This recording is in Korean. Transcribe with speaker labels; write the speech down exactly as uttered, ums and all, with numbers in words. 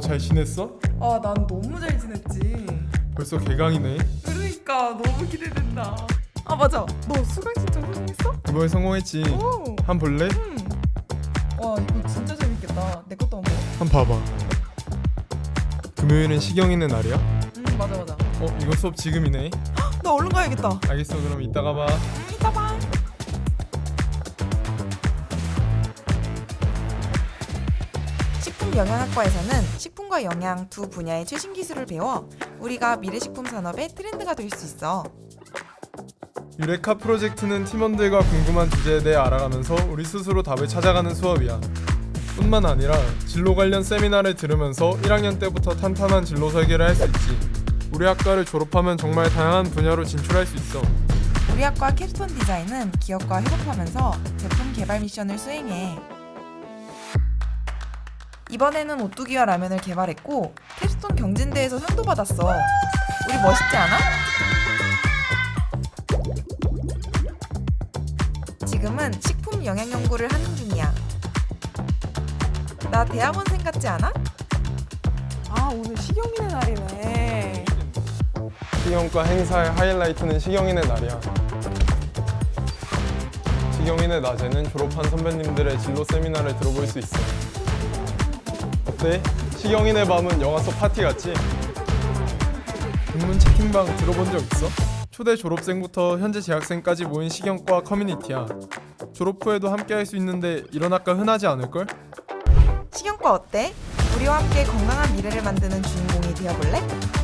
Speaker 1: 잘 지냈어?
Speaker 2: 아, 난 너무 잘 지냈지.
Speaker 1: 벌써 개강이네.
Speaker 2: 그러니까 너무 기대된다. 아, 맞아. 너 수강 신청 성공했어?
Speaker 1: 이번에 성공했지.
Speaker 2: 오.
Speaker 1: 한 볼래?
Speaker 2: 응. 와, 이거 진짜 재밌겠다. 내 것도 한번.
Speaker 1: 한 봐봐. 금요일은 시경이네 날이야?
Speaker 2: 응, 맞아 맞아.
Speaker 1: 어 이거 수업 지금이네.
Speaker 2: 나 얼른 가야겠다.
Speaker 1: 알겠어, 그럼 이따가 봐.
Speaker 2: 응, 이따 봐.
Speaker 3: 식품영양학과에서는 식품과 영양 두 분야의 최신 기술을 배워 우리가 미래 식품 산업의 트렌드가 될 수 있어.
Speaker 1: 유레카 프로젝트는 팀원들과 궁금한 주제에 대해 알아가면서 우리 스스로 답을 찾아가는 수업이야. 뿐만 아니라 진로 관련 세미나를 들으면서 일 학년 때부터 탄탄한 진로 설계를 할 수 있지. 우리 학과를 졸업하면 정말 다양한 분야로 진출할 수 있어.
Speaker 3: 우리 학과 캡스톤 디자인은 기업과 협업하면서 제품 개발 미션을 수행해. 이번에는 오뚜기와 라면을 개발했고 캡스톤 경진대회에서 상도 받았어. 우리 멋있지 않아? 지금은 식품 영양 연구를 하는 중이야. 나 대학원생 같지 않아?
Speaker 2: 아, 오늘 시경이네 날이네.
Speaker 1: 시경과 행사의 하이라이트는 시경이네 날이야. 시경이네 낮에는 졸업한 선배님들의 진로 세미나를 들어볼 수 있어. 어때? 시경이네 밤은 영화 속 파티 같지? 인문 채팅방 들어본 적 있어? 초대 졸업생부터 현재 재학생까지 모인 시경과 커뮤니티야. 졸업 후에도 함께 할 수 있는데 이런 학과 흔하지 않을걸?
Speaker 3: 식용과 어때? 우리와 함께 건강한 미래를 만드는 주인공이 되어볼래?